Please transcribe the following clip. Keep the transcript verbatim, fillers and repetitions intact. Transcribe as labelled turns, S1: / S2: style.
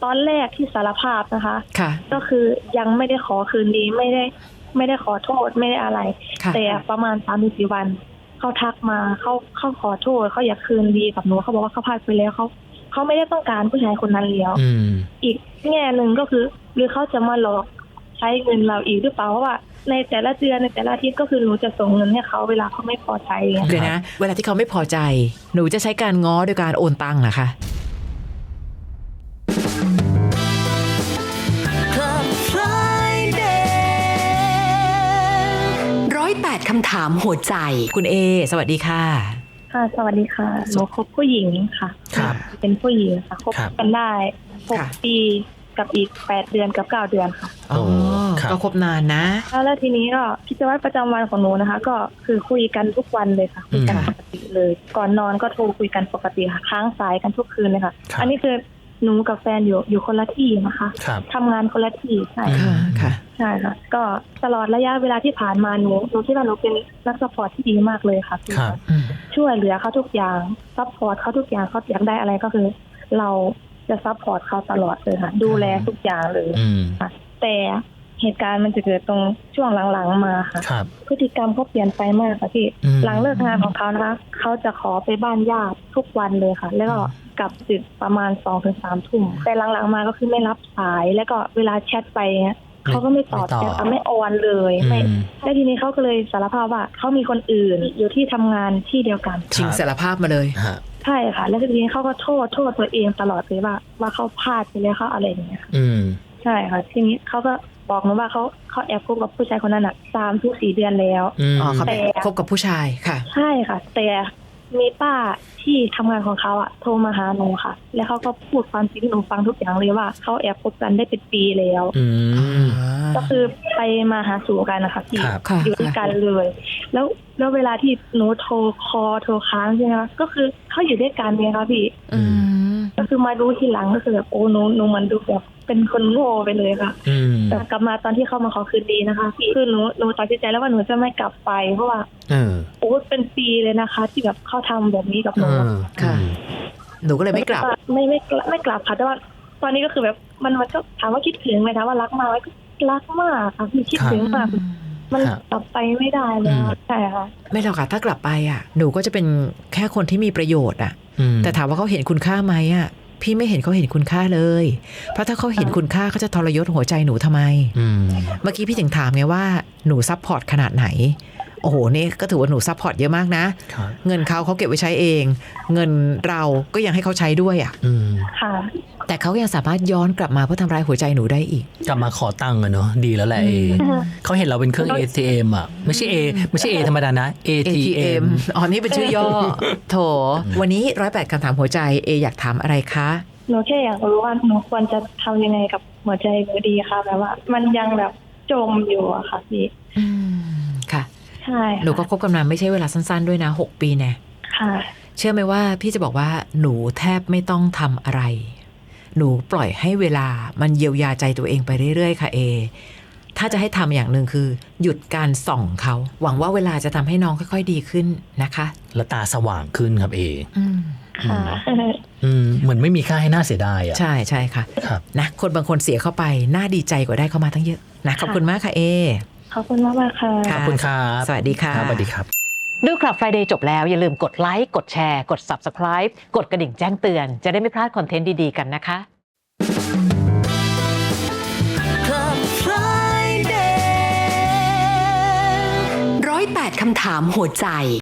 S1: ตอนแรกที่สารภาพนะคะ
S2: ค่ะ
S1: ก็คือยังไม่ได้ขอคืนดีไม่ได้ไม่ได้ขอโทษไม่ได้อะไรแต่ประมาณสามถึงสี่วันเขาทักมาเขาเขาขอโทษเขาอยากคืนดีกับหนูเขาบอกว่าเขาพลาดไปแล้วเขาเขาไม่ได้ต้องการผู้ชายคนนั้นแล้วอีกแง่หนึ่งก็คือหรือเขาจะมาหลอกใช้เงินเราอีกหรือเปล่าเพราะว่าในแต่ละเดือนในแต่ละอาทิตย์ก็คือหนูจะส่งเงินให้เขาเวลาเขาไม่พอใจ
S2: เดี๋ยวนะเวลาที่เขาไม่พอใจหนูจะใช้การง้อโดยการโอนตังค์เหรอคะ
S3: ร้อยแปดคำถามหัวใจ
S2: คุณเอสวัสดีค่ะ
S1: ค่ะสวัสดีค่ะหนูคบผู้หญิงค่ะ
S4: ครับ
S1: เป็นผู้หญิงค่ะคบกันได้หกปีกับอีกแปดเดือนกับเก้าเดือนค่ะ
S2: อ๋อก็คบนานนะ
S1: แล้วทีนี้ก็กิจวัตรประจำวันของหนูนะคะก็คือคุยกันทุกวันเลยค่ะคุยกันปกติเลยก่อนนอนก็โทรคุยกันปกติค่ะค้างสายกันทุกคืนเลยค่ะอันนี้คือหนูกับแฟนอยู่อยู่คนละที่นะคะทำงานคนละที่ใช่
S2: ค่ะค่ะ
S1: ใช่ค่ะก็ตลอดระยะเวลาที่ผ่านมาหนูหนูคิดว่าหนูเป็นนักซัพพอร์ตที่ดีมากเลยค่ะช่วยเหลือเขาทุกอย่างซัพพอร์ตเขาทุกอย่างเขาอยากได้อะไรก็คือเราจะซัพพอร์ตเขาตลอดเลยค่ะดูแลทุกอย่างเลยค่ะแต่เหตุการณ์มันจะเกิดตรงช่วงหลังๆมาค่ะพฤติกรรมเขาเปลี่ยนไปมากค่ะพี่หลังเลิกงานของเขานะคะเขาจะขอไปบ้านญาติทุกวันเลยค่ะแล้วก็กลับดึกประมาณ สองถึงสาม ทุ่มแต่หลังๆมาก็คือไม่รับสายแล้วก็เวลาแชทไปเขาก็ไม่ตอบแชทไม่ออนเลยไม่แล้วทีนี้เขาก็เลยสารภาพว่าเขามีคนอื่นอยู่ที่ทำงานที่เดียวกัน
S2: ชิงสารภาพมาเลย
S1: ใช่ค่ะแล้วทีนี้เขาก็โทษโทษตัวเองตลอดเลยว่าว่าเขาพลาดไปแล้วเขาอะไรอย่างเงี้ยค่ะใช่ค่ะทีนี้เขาก็บอกหนูว่าเขาเขาแอบคบกับผู้ชายคนนั้นอ่ะสามถึงสี่เดือนแล้ว
S2: อ๋อเขาคบกับผู้ชายค่ะ
S1: ใช่ค่ะแต่มีป้าที่ทำงานของเขาอ่ะโทรมาหาหนูค่ะแล้วเขาก็พูดความจริงให้หนูฟังทุกอย่างเลยว่าเขาแอบคบกันได้เป็นปีแล้วก็คือไปมาหาสู่กันนะคะพี่อยู่ด้วยกันเลยแล้วแล้วเวลาที่หนูโทรคอโทรค้างใช่ไหมคะก็คือเขาอยู่ด้วยกันไงคะพี่ก็คือมารู้ทีหลังก็คือแบบโอ้หนูหนูมันดูแบบเป็นคนโง่ไปเลยค่ะแต่กลับมาตอนที่เขามาขอคืนดีนะคะพี่คือหนูหนูตัดสินใจแล้วว่าหนูจะไม่กลับไปเพราะว่าโอ้เป็นปีเลยนะคะที่แบบเขาทำแบบนี้กับหนู
S2: ค่ะหนูก็เลยไม่กลับ
S1: ไม่ไม่ไม่กลับค่ะแต่ว่าตอนนี้ก็คือแบบมันมันก็ถามว่าคิดถึงไหมคะว่ารักมากไหมรักมากค่ะพี่คิดถึงมากมันกลับไปไม่ได้แล้วใช่ค่ะ
S2: ไม่หรอกค่ะถ้ากลับไปอ่ะหนูก็จะเป็นแค่คนที่มีประโยชน์อ่ะแต่ถามว่าเขาเห็นคุณค่าไหมอ่ะพี่ไม่เห็นเขาเห็นคุณค่าเลยเพราะถ้าเขาเห็นคุณค่าเขาจะทรยศหัวใจหนูทำไมเมื่อกี้พี่ถึงถามไงว่าหนูซัพพอร์ตขนาดไหนโอ้โหนี่ก็ถือว่าหนูซัพพอร์ตเยอะมากนะเงินเขาเขาเก็บไว้ใช้เองเงินเราก็ยังให้เขาใช้ด้วยอ่ะแต่เขายังสามารถย้อนกลับมาเพื่อทำร้ายหัวใจหนูได้อีก
S4: กลับมาขอตังค์อะเนาะดีแล้วแหละเอเขาเห็นเราเป็นเครื่อง เอ ที เอ็ม อ่ะไม่ใช่ A ไม่ใช่ A ธรรมดานะ เอ ที เอ็ม
S2: อ๋อนี่เป็นชื่อย่อโถวันนี้ร้อยแปดคำถามหัวใจเออยากถามอะไรคะ
S1: หนูแค่อยากรู้ว่าหนูควรจะทำยังไงกับหัวใจหนูดีค่ะแบบว่ามันยังแบบจมอยู่อะค่ะพี่
S2: ค่ะ
S1: ใช่
S2: หนูก็คบกันมาไม่ใช่เวลาสั้นๆด้วยนะหกปีแน่
S1: ค่ะ
S2: เชื่อไหมว่าพี่จะบอกว่าหนูแทบไม่ต้องทำอะไรหนูปล่อยให้เวลามันเยียวยาใจตัวเองไปเรื่อยๆค่ะเอถ้าจะให้ทำอย่างหนึ่งคือหยุดการส่องเขาหวังว่าเวลาจะทำให้น้องค่อยๆดีขึ้นนะคะ
S4: และตาสว่างขึ้นครับเอ
S1: ค่ะ
S4: เหมือนไม่มีค่าให้น่าเสียดายอ่ะ
S2: ใช่ใช่ค่ะนะคนบางคนเสียเข้าไปน่าดีใจกว่าได้เข้ามาตั้งเยอะนะขอบคุณมากค่ะเอ
S1: ขอบคุณมากมากค่ะ
S4: ขอบคุณครับ
S2: สวัสดีค่ะ
S4: สวัสดีครับ
S2: ดู Club Friday จบแล้วอย่าลืมกดไลค์กดแชร์กด Subscribe กดกระดิ่งแจ้งเตือนจะได้ไม่พลาดคอนเทนต์ดีๆกันนะคะ
S3: Club Friday ร้อยแปดคำถามหัวใจ